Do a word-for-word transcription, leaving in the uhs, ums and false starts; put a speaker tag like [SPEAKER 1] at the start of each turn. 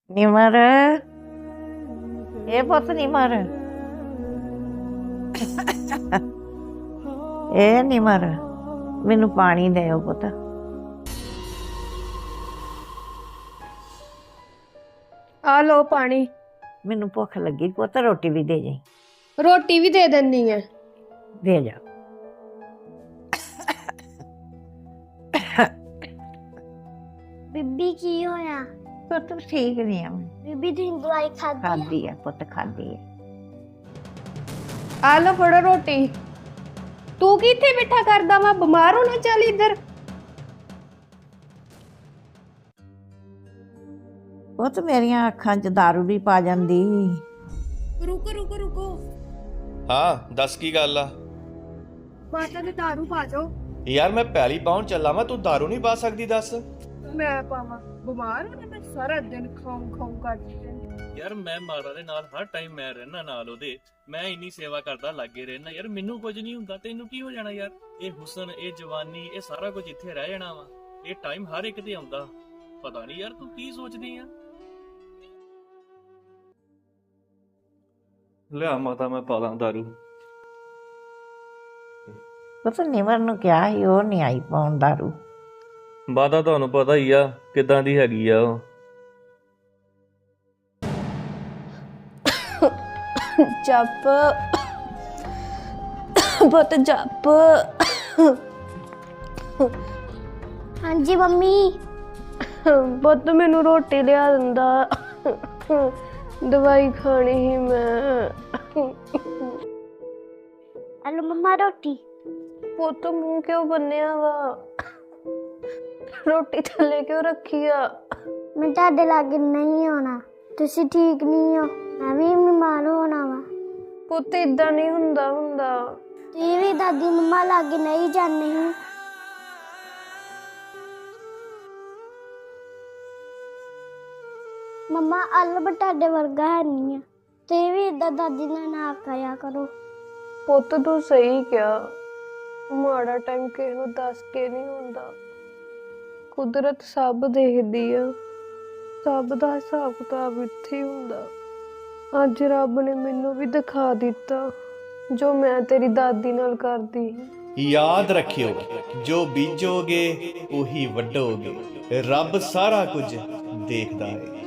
[SPEAKER 1] ਨਿਮਰ ਇਹ ਪੁੱਤ ਨਿਮਰ ਇਹ ਨਿਮਰ ਮੈਨੂੰ ਪਾਣੀ ਦਿਓ ਪੁੱਤ।
[SPEAKER 2] ਆ ਲੋ ਪਾਣੀ।
[SPEAKER 1] ਮੈਨੂੰ ਭੁੱਖ ਲੱਗੀ ਪੁੱਤ, ਰੋਟੀ ਵੀ ਦੇ ਜਾਈ।
[SPEAKER 2] ਰੋਟੀ ਵੀ ਦੇ ਦਿੰਨੀ ਹੈ।
[SPEAKER 1] ਦੇ ਜਾ।
[SPEAKER 3] ਬੀਬੀ ਕੀ ਹੋਇਆ?
[SPEAKER 1] ਪੁੱਤ ਠੀਕ ਨਹੀਂ ਆ ਮੈਂ।
[SPEAKER 3] ਬੀਬੀ ਦੀ ਦਵਾਈ ਖਾਦੀ?
[SPEAKER 1] ਖਾਦੀ ਆ ਪੁੱਤ, ਖਾਦੀ ਆ।
[SPEAKER 2] ਆ ਲੋ ਫੜੋ ਰੋਟੀ। ਤੂੰ ਕੀ ਇੱਥੇ ਬੈਠਾ ਕਰਦਾ ਵਾ? ਬਿਮਾਰ ਹੋਣਾ ਚੱਲ ਇੱਧਰ।
[SPEAKER 1] ਪੁੱਤ ਮੇਰੀਆਂ ਅੱਖਾਂ 'ਚ ਦਾਰੂ ਵੀ ਪਾ ਜਾਂਦੀ।
[SPEAKER 2] ਰੁਕੋ ਰੁਕੋ ਰੁਕੋ।
[SPEAKER 4] ਹਾਂ ਦੱਸ ਕੀ ਗੱਲ ਆ?
[SPEAKER 2] ਮਾਤਾ ਨੇ ਦਾਰੂ ਪਾ ਜਾਓ।
[SPEAKER 4] ਯਾਰ ਮੈਂ ਪਹਿਲੀ ਪਾਉਣ ਚੱਲਾ ਮੈਂ, ਤੂੰ ਦਾਰੂ ਨਹੀਂ ਪਾ ਸਕਦੀ? ਦੱਸ
[SPEAKER 2] ਮੈਂ ਪਾਵਾਂ? ਬਿਮਾਰ ਹੋਣਾ ਮੈਂ ਸਾਰਾ ਦਿਨ ਖਾਉਂ ਖਾਉਂ ਕਰਦੀ ਰਹਿੰਦੀ।
[SPEAKER 5] ਯਾਰ ਮੈਂ ਮਾਤਾ ਦੇ ਨਾਲ ਹਰ ਟਾਈਮ ਮੈਂ ਰਹਿਣਾ ਨਾਲ ਉਹਦੇ, ਮੈਂ ਇੰਨੀ ਸੇਵਾ ਕਰਦਾ ਲਾਗੇ ਰਹਿਣਾ ਯਾਰ, ਮੈਨੂੰ ਕੁਝ ਨਹੀਂ ਹੁੰਦਾ, ਤੈਨੂੰ ਕੀ ਹੋ ਜਾਣਾ ਯਾਰ? ਇਹ ਹੁਸਨ, ਇਹ ਜਵਾਨੀ, ਇਹ ਸਾਰਾ ਕੁਝ ਇੱਥੇ ਰਹਿ ਜਾਣਾ ਵਾ। ਇਹ ਟਾਈਮ ਹਰ ਇੱਕ ਤੇ ਆਉਂਦਾ। ਪਤਾ ਨਹੀਂ ਯਾਰ ਤੂੰ ਕੀ ਸੋਚਦੀ ਆ।
[SPEAKER 4] ਲਿਆ ਮਾਤਾ ਮੈਂ ਪਾ ਦਾਂ ਦਾਰੂ।
[SPEAKER 1] ਪੁੱਤ ਨਿਮਰ ਨੂੰ ਕਿਹਾ ਸੀ, ਉਹ ਨਹੀਂ ਆਈ ਪਾਉਣ ਦਾਰੂ।
[SPEAKER 4] ਮਾਤਾ ਤੁਹਾਨੂੰ ਪਤਾ ਹੀ ਆ ਕਿੱਦਾਂ ਦੀ ਹੈਗੀ ਆ ਉਹ।
[SPEAKER 2] ਜੱਪ ਪੁੱਤ ਜੱਪ।
[SPEAKER 3] ਹਾਂਜੀ ਮੰਮੀ।
[SPEAKER 2] ਪੁੱਤ ਮੈਨੂੰ ਰੋਟੀ ਲਿਆ ਦਿੰਦਾ, ਦਵਾਈ ਖਾਣੀ ਸੀ ਮੈਂ।
[SPEAKER 3] ਹਲੋ ਮੰਮਾ ਰੋਟੀ।
[SPEAKER 2] ਪੁੱਤ ਮੂੰਹ ਕਿਉਂ ਬੰਨਿਆ ਵਾ? ਰੋਟੀ ਥੱਲੇ ਕਿਉਂ ਰੱਖੀ ਆ?
[SPEAKER 3] ਮੈਂ ਤੁਹਾਡੇ ਲਾਗੇ ਨਹੀਂ ਆਉਣਾ, ਤੁਸੀਂ ਠੀਕ ਨਹੀਂ ਹੋ, ਮੈਂ ਵੀ ਬਿਮਾਰ ਹੋਣਾ ਵਾ।
[SPEAKER 2] ਪੁੱਤ ਇਦਾਂ ਨਹੀਂ ਹੁੰਦਾ ਹੁੰਦਾ।
[SPEAKER 3] ਤੁਸੀਂ ਵੀ ਦਾਦੀ ਮੰਮਾ ਲਾਗੇ ਨਹੀਂ ਜਾਂਦੇ ਸੀ। ਮੰਮਾ ਅਲਬ ਤੁਹਾਡੇ ਵਰਗਾ ਹੈ ਨਹੀਂ ਆ, ਤੁਸੀਂ ਵੀ ਏਦਾਂ ਦਾਦੀ ਨਾਲ ਨਾ ਕਰਿਆ ਕਰੋ।
[SPEAKER 2] ਪੁੱਤ ਤੂੰ ਸਹੀ ਕਿਹਾ, ਮਾੜਾ ਟਾਈਮ ਕਿਸੇ ਨੂੰ ਦੱਸ ਕੇ ਨਹੀਂ ਹੁੰਦਾ। ਕੁਦਰਤ ਸਭ ਦੇਖਦੀ ਆ, ਸਭ ਦਾ ਹਿਸਾਬ ਕਿਤਾਬ ਇੱਥੇ ਹੀ ਹੁੰਦਾ। ਅੱਜ ਰੱਬ ਨੇ ਮੈਨੂੰ ਵੀ ਦਿਖਾ ਦਿੱਤਾ ਜੋ ਮੈਂ ਤੇਰੀ ਦਾਦੀ ਨਾਲ ਕਰਦੀ ਸੀ।
[SPEAKER 4] ਯਾਦ ਰੱਖਿਓ, ਜੋ ਬੀਜੋਗੇ ਉਹੀ ਵੱਢੋਗੇ। ਰੱਬ ਸਾਰਾ ਕੁਝ ਦੇਖਦਾ ਹੈ।